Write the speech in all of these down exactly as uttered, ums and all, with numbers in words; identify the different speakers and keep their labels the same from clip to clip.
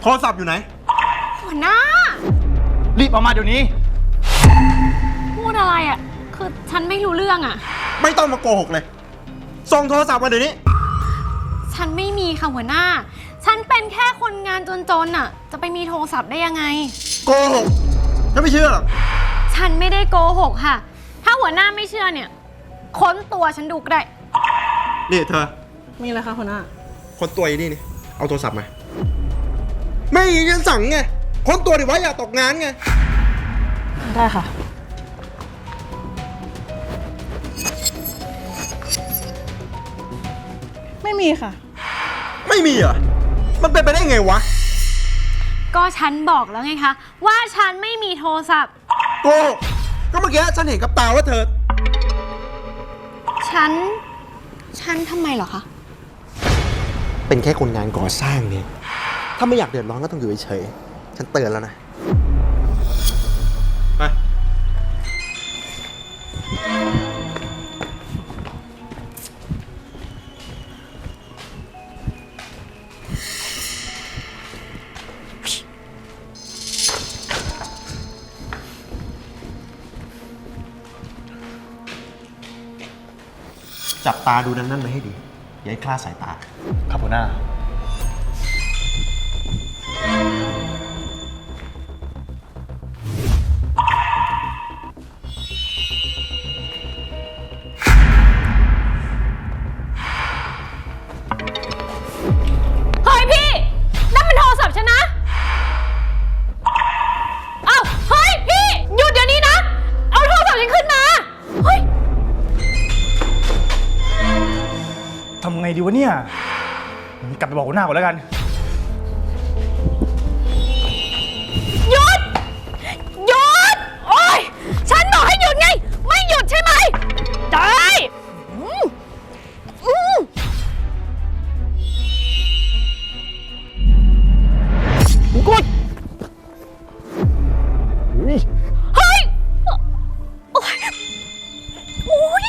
Speaker 1: โทรศัพท์อยู่ไหน
Speaker 2: หัวหน้า
Speaker 3: รีบออกมาเดี๋ยวนี้
Speaker 2: พูดอะไรอ่ะคือฉันไม่รู้เรื่องอ่ะ
Speaker 1: ไม่ต้องมาโกหกเลยส่งโทรศัพท์มาเดี๋ยวนี้
Speaker 2: ฉันไม่มีค่ะหัวหน้าฉันเป็นแค่คนงานจนๆอ่ะจะไปมีโทรศัพท์ได้ยังไง
Speaker 1: โกหกฉันไม่เชื่อหรอก
Speaker 2: ฉันไม่ได้โกหกค่ะถ้าหัวหน้าไม่เชื่อเนี่ยค้นตัวฉันดูก็ได้
Speaker 1: นี่เธอ
Speaker 2: มีอะไรคะหัวหน้า
Speaker 1: ค้นตัวนี่นี่เอาโทรศัพท์มาไม่ฉันสั่งไงค้นตัวดิวะอย่าตกงานไง
Speaker 2: ได้ค่ะไม่มีค่ะ
Speaker 1: ไม่มีเหรอมันเป็นไปได้ไงวะ
Speaker 2: ก็ฉันบอกแล้วไงคะว่าฉันไม่มีโทรศัพท์
Speaker 1: โกก็เมื่อกี้ฉันเห็นกับตาว่าเธอ
Speaker 2: ฉันฉันทำไมเหรอคะ
Speaker 1: เป็นแค่คนงานก่อสร้างเนี่ยถ้าไม่อยากเดือดร้อนก็ต้องอยู่เฉยๆฉันเตือนแล้วนะไปจับตาดูนั่นๆไว้ให้ดีอย่าให้คลาดสายตา
Speaker 3: ครับหัวหน้า
Speaker 2: เฮ้ยพี่นั่นเป็นโทรศัพท์ฉันนะเอ้าเฮ้ยพี่หยุดเดี๋ยวนี้นะเอาโทรศัพท์ฉันขึ้นมาเฮ้ย
Speaker 3: ทำไงดีวะเนี่ยกลับไปบอกหัวหน้าก่อนแล้วกัน
Speaker 2: หยุดหยุดโอ๊ยฉันบอกให้หยุดไงไม่หยุดใช่ไหมได้อืมอืม
Speaker 3: กด
Speaker 2: เฮ้ยโอ๊ยโอ๊ย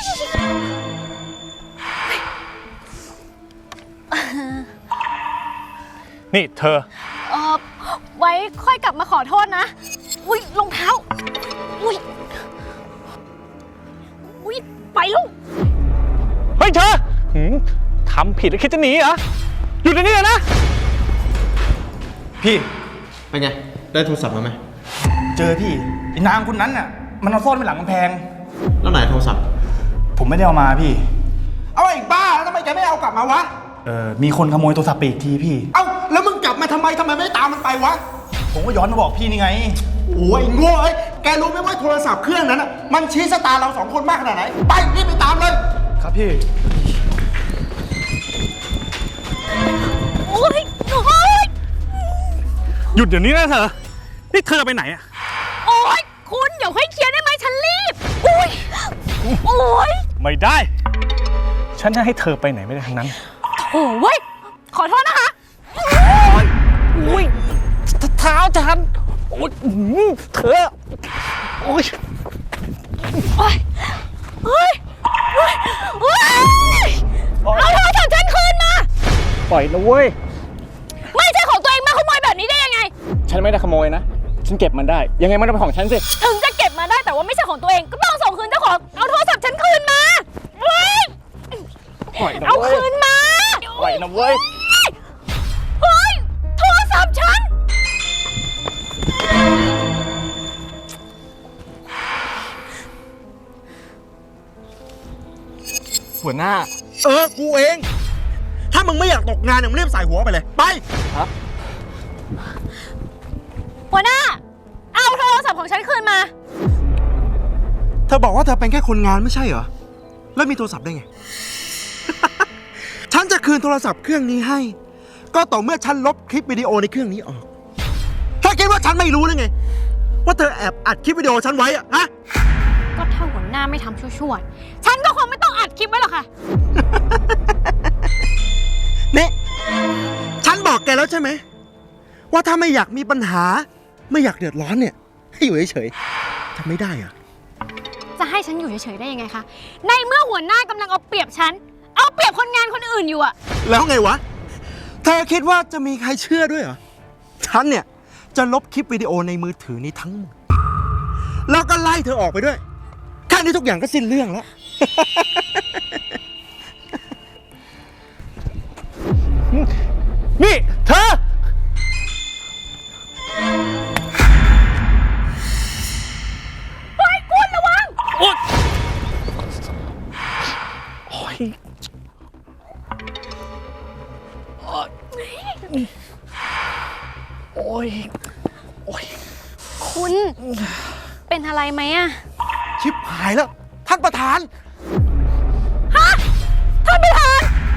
Speaker 3: นี่เธอ
Speaker 2: เอ่อไว้ค่อยกลับมาขอโทษนะอุ้ยรองเท้าอุ้ยอุ้ยไปลูก
Speaker 3: เฮ้ยเธอทำผิดแล้วคิดจะหนีเหรอหยุดเดี๋ยวนี้เลยนะพี่
Speaker 1: เป็นไงได้โทรศัพท์มาไหม
Speaker 3: เจอพี่ไอ้นางคนนั้นน่ะมันเอาซ่อนไว้หลังกำแพง
Speaker 1: แล้วไหนโทรศัพท์
Speaker 3: ผมไม่ได้เอามาพี่
Speaker 1: เอาไอ้บ้าแล้วทำไมแกไม่เอากลับมาวะ
Speaker 3: เออมีคนขโมยโทรศัพท์ไปอีกทีพี่
Speaker 1: เอ้าแล้วมึงกลับมาทำไมทำไมไม่ตามมันไปวะ
Speaker 3: ผมก็ย้อนมาบอกพี่นี่ไง
Speaker 1: โอ้ยโง่ไอ้แกรู้ไหมว่าโทรศัพท์เครื่องนั้นน่ะมันชี้ชะตาเราสองคนมากขนาดไหนไปรีบไปตามเลย
Speaker 3: ครับพี่
Speaker 2: โอ้ยโอ้ย
Speaker 3: หยุดเดี๋ยวนี้นะเธอนี่เธอไปไหนอะ
Speaker 2: โอ้ยคุณเดี๋ยวให้เคลียร์ได้ไหมฉันรีบโอ้ยโอ้ย
Speaker 3: ไม่ได้ฉันจะให้เธอไปไหนไม่ได้ทั้งนั้น
Speaker 2: โอ้เว้ยขอโทษนะคะโ
Speaker 3: อ้ยโอ้ยเท้าฉันโอ้ยเธอโอ้ย
Speaker 2: โอ้ยเฮ้ยเฮ้ยเฮ้ยเอาโทรศัพท์ฉันคืนมา
Speaker 3: ปล่อยนะเว้ย
Speaker 2: ไม่ใช่ของตัวเองมาขโมยแบบนี้ได้ยังไง
Speaker 3: ฉันไม่ได้ขโมยนะฉันเก็บมันได้ยังไงมันเป็นของฉันสิ
Speaker 2: ถึงจะเก็บมาได้แต่ว่าไม่ใช่ของตัวเองก็ต้องส่งคืนเจ้าของเอาโทรศัพท์ฉันคืนมาเฮ้ยเอาคืนมา
Speaker 3: ปล่อยนะเว้ย
Speaker 2: เฮ้ยโทรศัพท์ฉัน
Speaker 3: หัวหน้า
Speaker 1: เออกูเองถ้ามึงไม่อยากตกงานมึงรีบใส่หัวไปเลยไป
Speaker 3: ครับ
Speaker 2: หัวหน้าเอาโทรศัพท์ของฉันคืนมา
Speaker 1: เธอบอกว่าเธอเป็นแค่คนงานไม่ใช่เหรอแล้วมีโทรศัพท์ได้ไง ฉันจะคืนโทรศัพท์เครื่องนี้ให้ก็ต่อเมื่อฉันลบคลิปวิดีโอในเครื่องนี้ออกเธอคิดว่าฉันไม่รู้หรือไงว่าเธอแอบอัดคลิปวิดีโอฉันไว้อะฮะ
Speaker 2: ก็ถ้าหัวหน้าไม่ทำชั่วๆฉันก็คงไม่ต้องอัดคลิปไว้หรอกค่ะ
Speaker 1: นี่ฉันบอกแกแล้วใช่ไหมว่าถ้าไม่อยากมีปัญหาไม่อยากเดือดร้อนเนี่ยให้อยู่เฉยๆทำไม่ได้อะ
Speaker 2: จะให้ฉันอยู่เฉยๆได้ยังไงคะในเมื่อหัวหน้ากำลังเอาเปรียบฉันเอาเปรียบคนงานคนอื่นอยู่อะ
Speaker 1: แล้วไงวะเธอคิดว่าจะมีใครเชื่อด้วยเหรอฉันเนี่ยจะลบคลิปวิดีโอในมือถือนี้ทั้งหมด แล้วก็ไล่เธอออกไปด้วย แค่นี้ทุกอย่างก็สิ้นเรื่องแล้ว
Speaker 3: นี่เธอ
Speaker 2: เฮ้ยคุณระวัง
Speaker 3: โอ๊ยโอ๊ยโอ๊ยโอ๊ยโอ๊ย
Speaker 2: คุณเป็นอะไรไหมอะ
Speaker 1: ชิบหายแล้ว ท่านประธาน
Speaker 2: ฮะท่านประธาน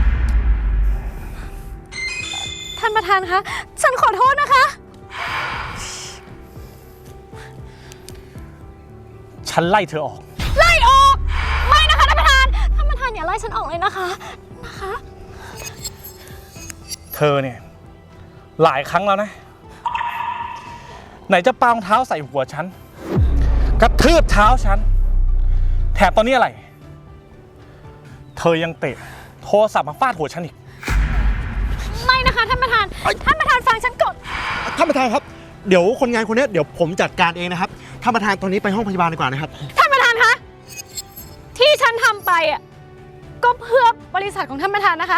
Speaker 2: ท่านประธานคะ ฉันขอโทษนะคะ
Speaker 3: ฉันไล่เธอออก
Speaker 2: ไล่ออก ไม่นะคะท่านประธาน ท่านประธานอย่าไล่ฉันออกเลยนะคะ นะคะ
Speaker 3: เธอเนี่ยหลายครั้งแล้วนะ ไหนจะปารองเท้าใส่หัวฉัน กระทืบเท้าฉัน แถมตอนนี้อะไร เธอยังเตะโทรศัพท์มาฟาดหัวฉันอีก
Speaker 2: ไม่นะคะท่านประธาน ท่านประธานฟังฉันก่อน
Speaker 1: ท่านประธานครับ เดี๋ยวคนงานคนนี้เดี๋ยวผมจัดการเองนะครับ ท่านประธานตอนนี้ไปห้องพยาบาลดีกว่านะครับ
Speaker 2: ท่านประธานคะ ที่ฉันทำไปอ่ะก็เพื่อบริษัทของท่านประธานนะคะ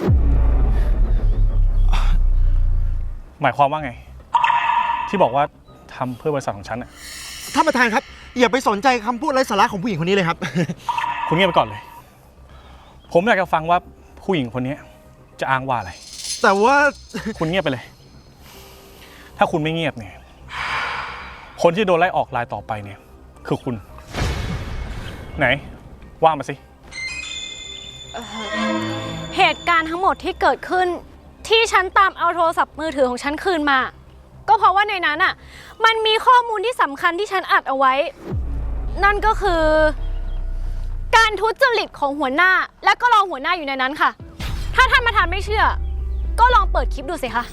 Speaker 3: หมายความว่าไง ที่บอกว่าทำเพื่อบริษัทของฉันน่ะ
Speaker 1: ท่านประธานครับ อย่าไปสนใจคำพูดไร้สาระของผู้หญิงคนนี้เลยครับ
Speaker 3: คุณเงียบไปก่อนเลย ผมอยากจะฟังว่าผู้หญิงคนนี้จะอ้างว่าอะไร
Speaker 1: แต่ว่า
Speaker 3: คุณเงียบไปเลย ถ้าคุณไม่เงียบเนี่ย คนที่โดนไล่ออกรายต่อไปเนี่ย คือคุณ ไหน ว่ามาสิ
Speaker 2: เหตุการณ์ทั้งหมดที่เกิดขึ้นที่ฉันตามเอาโทรศัพท์มือถือของฉันคืนมา ก็เพราะว่าในนั้นอ่ะมันมีข้อมูลที่สำคัญที่ฉันอัดเอาไว้ นั่นก็คือ การทุจริตของหัวหน้าและก็รองหัวหน้าอยู่ในนั้นค่ะ ถ้าท่านประธานไม่เชื่อ ก็ลองเปิดคลิปดูสิคะ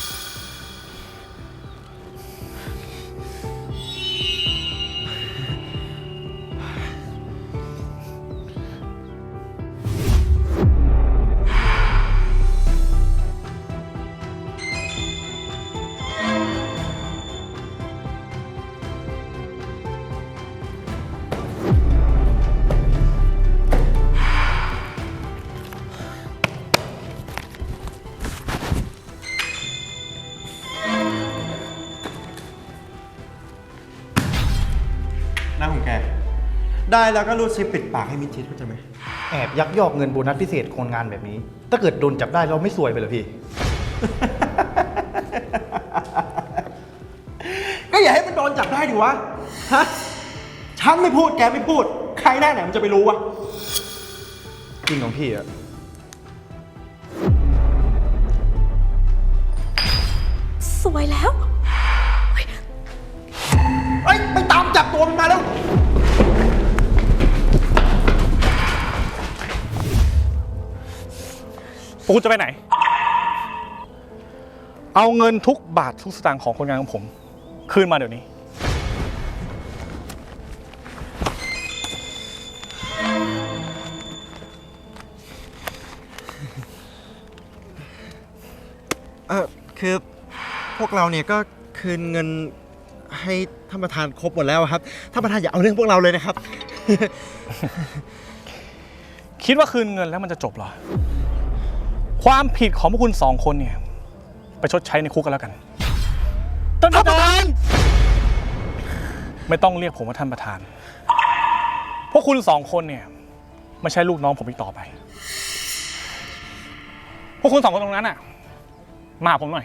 Speaker 1: หน้าของแก ได้แล้วก็รูดซิปปิดปากให้มิดชิดเข้าใจไหม
Speaker 4: แอบยักยอกเงินโบนัสพิเศษคนงานแบบนี้ ถ้าเกิดโดนจับได้เราไม่ซวยไปเหรอพี่
Speaker 1: ก็อย่าให้มันโดนจับได้ดิวะ ฮะ ฉันไม่พูดแกไม่พูด ใครแน่ไหนมันจะไปรู้วะ
Speaker 4: จริงของพี่อะ
Speaker 2: สวยแล้ว
Speaker 1: เอ้ย ไปตามจับตัวมันมาแล้ว
Speaker 3: ปูจะไปไหน เอาเงินทุกบาททุกสตางค์ของคนงานของผม คืนมาเดี๋ยวนี้
Speaker 1: เออคือพวกเราเนี่ยก็คืนเงินให้ท่านประธานครบหมดแล้วครับ ท่านประธานอย่าเอาเรื่องพวกเราเลยนะครับ
Speaker 3: คิดว่าคืนเงินแล้วมันจะจบเหรอ ความผิดของพวกคุณสองคนเนี่ย ไปชดใช้ในคุกกันแล้วกันท่านประธาน ไม่ต้องเรียกผมว่าท่านประธาน พวกคุณสองคนเนี่ยไม่ใช่ลูกน้องผมอีกต่อไป พวกคุณสองคนตรงนั้นน่ะ มาหาผมหน่อย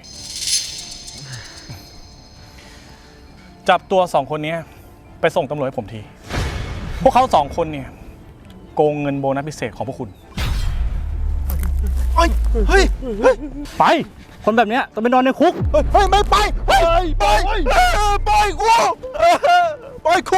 Speaker 3: จับตัวสองคนนี้ไปส่งตำรวจให้ผมที พวกเขาสองคนเนี่ยโกงเงินโบนัสพิเศษของพวกคุณ
Speaker 1: เฮ้ย เฮ้ย เฮ้ย
Speaker 3: ไป คนแบบเนี้ยต้องไปนอนในคุก
Speaker 1: เฮ้ย ไม่ไป ไป ไป ไปกูไปกู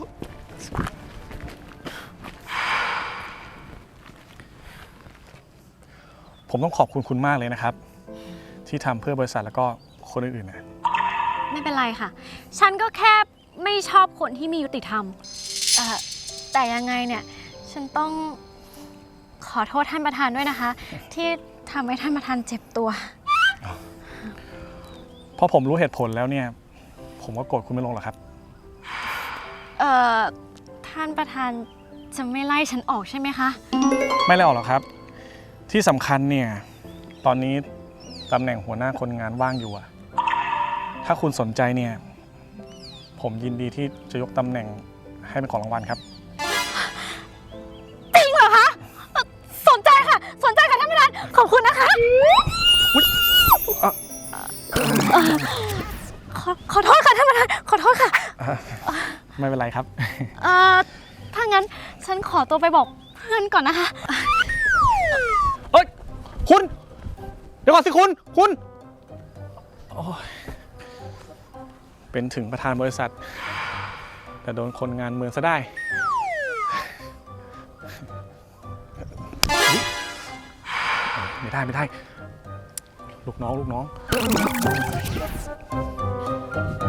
Speaker 3: ผมต้องขอบคุณคุณมากเลยนะครับ ที่ทำเพื่อบริษัทแล้วก็คนอื่นๆนะ
Speaker 2: ไม่เป็นไรค่ะ ฉันก็แค่ไม่ชอบคนที่มียุติธรรมเอ่อแต่ยังไงเนี่ย ฉันต้องขอโทษท่านประธานด้วยนะคะ ที่ทำให้ท่านประธานเจ็บตัว
Speaker 3: พอผมรู้เหตุผลแล้วเนี่ย ผมก็โกรธคุณไม่ลงหรอกครับ
Speaker 2: เอ่อ ท่านประธานจะไม่ไล่ฉันออกใช่ไหมคะ
Speaker 3: ไม่ไล่ออกหรอกครับ ที่สำคัญเนี่ย ตอนนี้ตำแหน่งหัวหน้าคนงานว่างอยู่อะถ้าคุณสนใจเนี่ย ผมยินดีที่จะยกตำแหน่งให้เป็นของรางวัลครับ
Speaker 2: จริงเหรอคะเอ่อสนใจค่ะ สนใจค่ะท่านประธาน ขอบคุณนะคะ
Speaker 3: อ่ะ
Speaker 2: เอ่อขอขอโทษค่ะท่านประธาน ขอโทษค่ะ
Speaker 3: ไม่เป็นไรครับ
Speaker 2: เอ่อ ถ้างั้นฉันขอตัวไปบอกเพื่อนก่อนนะคะ
Speaker 3: เอ้ย คุณ เดี๋ยวก่อนสิคุณ คุณโอ้ยเป็นถึงประธานบริษัท แต่โดนคนงานเมืองซะได้ไม่ได้ ไม่ได้ ลูกน้อง ลูกน้อง